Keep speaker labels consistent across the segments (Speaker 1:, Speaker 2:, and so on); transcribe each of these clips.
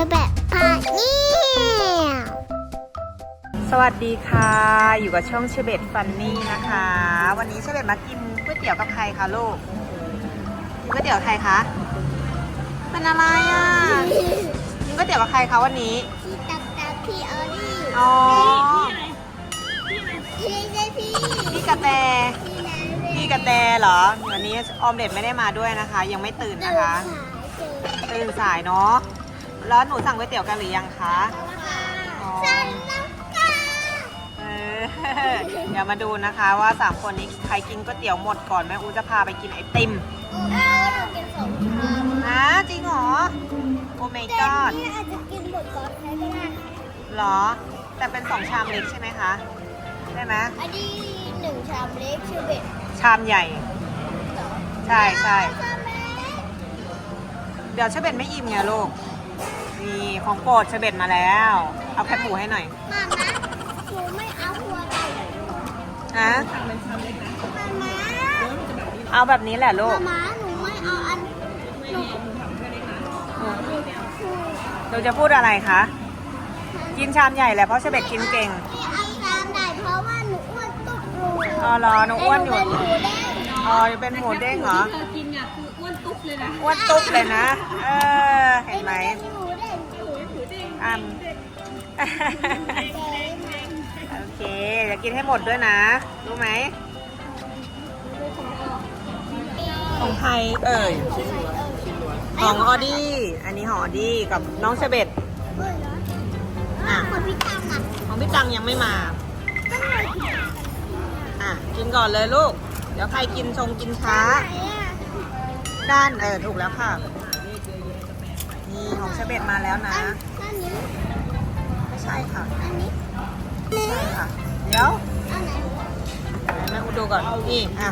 Speaker 1: แบบพาเนี่ย
Speaker 2: สวัสดีค่ะอยู่กับช่องเชเบตฟันนี่นะคะวันนี้เชเบตมากินก๋วยเตี๋ยวกับใครคะลูกก๋วยเตี๋ยวใครคะเป็นอะไรอ่ะกินก๋วยเตี๋ยวกับใครคะวันนี้
Speaker 1: พี่ตักพี่ออลี่
Speaker 2: อ๋อ
Speaker 1: พี่
Speaker 2: กระแต
Speaker 1: พี่นาเร
Speaker 2: พี่กระแตเหรอวันนี้ออมเด็ดไม่ได้มาด้วยนะคะ ยังไม่ตื่นนะคะตื่นสายเนาะแล้วหนูสั่งก๋วยเตี๋ยวกันหรือยังคะอ๋อ เออเดี๋ยวมาดูนะคะว่า3คนนี้ใครกินก๋วยเตี๋ยวหมดก่อนแม่อูจะพาไปกินไอติมนะจริงเหรอโอ้ my
Speaker 1: แต่
Speaker 2: god
Speaker 1: นี่อาจจะกินหมดก่อนใครก็ได้
Speaker 2: หรอแต่เป็น2ชามเล็กใช่ไหมคะได้ไหม
Speaker 1: อันนี้1ชามเล็กชื่อเบ็ด
Speaker 2: ชามใหญ่ใช่ใช่
Speaker 1: ชามเล็ก
Speaker 2: เดี๋ยวเชเบตไม่อิ่มไงลูกนี่ของโปรดเชเบตมาแล้วเอาแคบหมูให้หน่อย
Speaker 1: มานะหนูไม่เอาหัวไก่
Speaker 2: นะ
Speaker 1: มา
Speaker 2: เอาแบบนี้แหละลูก
Speaker 1: มาหนูไม่เอาอันหนู
Speaker 2: เราจะพูดอะไรคะกินชามใหญ่แหละเพราะเชเบตกินเก่ง
Speaker 1: ไม่เอาชามใหญ่เพราะว่าหนูอ้วนตุ๊กรู
Speaker 2: อ๋อเหรอหนูอ้วนอยู่
Speaker 1: เป็นหมูแดง
Speaker 2: อ๋อเป็นหมูเด้งเหรอ
Speaker 3: เธอกินเนี่ยคืออ้วนตุ๊บเลยนะ
Speaker 2: อ้วนตุ๊บเลยนะ เออ เห็นไหม
Speaker 1: หมูแดงหมูแดง
Speaker 2: อ้ำโอเคจะกินให้หมดด้วยนะ รู้ไหม ของใครเอ่ย ของออดี้ อันนี้ของออดี้กับน้องเชเบต
Speaker 1: คนพิการอ่ะ
Speaker 2: ของพี่ตังยังไม่มา อ่ะ กินก่อนเลยลูก เดี๋ยวใครกินชงกินช้า ด้านถูกแล้วค่ะ นี่ของเชเบตมาแล้วนะ
Speaker 1: อันนี้
Speaker 2: ไม่ใช่ค่ะ
Speaker 1: อันนี้
Speaker 2: ไม่ใช่ค่ะ เดี๋ยว
Speaker 1: อันไหน
Speaker 2: แม่อุดดูก่อน นี่อ่ะ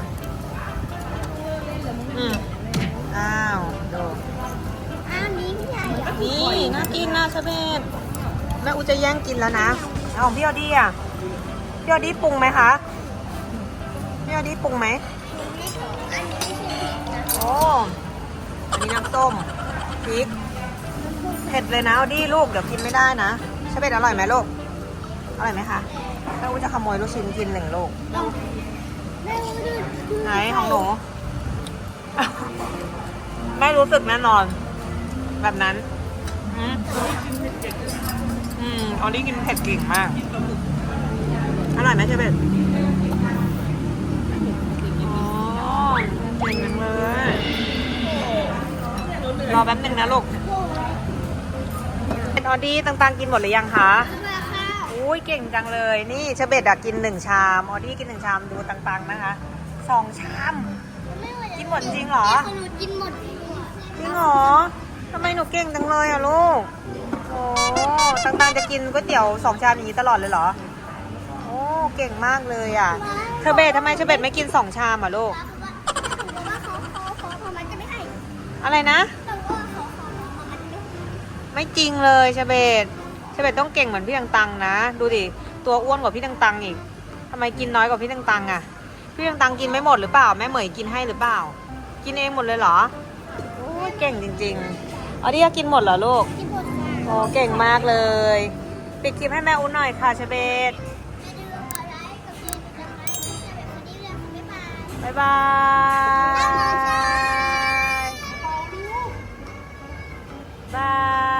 Speaker 2: อ้าวดู
Speaker 1: อันนี้พี่ใหญ่เหรอ
Speaker 2: นี่น่ากินนะเชเบตแม่อุจะแย่งกินแล้วนะเอาของพี่ออดี้อ่ะพี่ออดี้ปรุงไหมคะพี่ออดี้ปรุงไหม
Speaker 1: อันนี้ไม่ใช่พริกนะ
Speaker 2: โอ้อันนี้น้ำส้มพริกเผ็ดเลยนะออดี้ลูกเดี๋ยวกินไม่ได้นะเชเบตอร่อยไหมลูกอร่อยไหมคะแม่อุจะขโมยลูกชิ้นกิน1 ลูก
Speaker 1: แม่ดู
Speaker 2: ไหนของหนู ไม่รู้สึกแน่นอน แบบนั้นออดี้กินเผ็ดเก่งมาก อร่อยไหมเชเบตอ๋อเก่งจังเลยรอแป๊บนึงนะลูกเป็นออดี้ต่างๆกินหมดหรือยังคะ
Speaker 1: มาค่ะ
Speaker 2: อุ้ยเก่งจังเลย นี่เชเบตอะกิน1 ชามออดี้กิน1 ชามดูต่างๆนะคะ2 ชาม กินหมดจริงเหรอ
Speaker 1: หนูกินหมด
Speaker 2: จริงเหรอ ทำไมหนูเก่งจังเลยอะลูก โอ้ต่างๆจะกินก๋วยเตี๋ยว2 ชามอย่างนี้ตลอดเลยเหรอ โอ้เก่งมากเลยอะเชเบตทำไมเชเบตไม่กิน2 ชามอะลูก
Speaker 1: แต่ว่าเขามันจะไม่ให้
Speaker 2: อะไรนะ
Speaker 1: แต่ว่าเขามันไม่
Speaker 2: ไม่จริงเลยเชเบตต้องเก่งเหมือนพี่ตังๆนะ ดูดิ ตัวอ้วนกว่าพี่ตังๆอีกทำไมกินน้อยกว่าพี่ตังๆอะพี่ตังๆกินไม่หมดหรือเปล่า แม่เหมยกินให้หรือเปล่า กินเองหมดเลยเหรอโอ้ยเก่งจริงๆออดี้กินหมดเหรอลูก
Speaker 1: กินหมดค่ะ
Speaker 2: โอ้เก่งมากเลย ปิดคลิปให้แม่อุ้นหน่อยค่ะเชเบต
Speaker 1: อย่าลืมกดไลค์กดติดตามให้เชเบตคนนี้เลยค่ะบ๊ายบาย
Speaker 2: บ๊ายบายบาย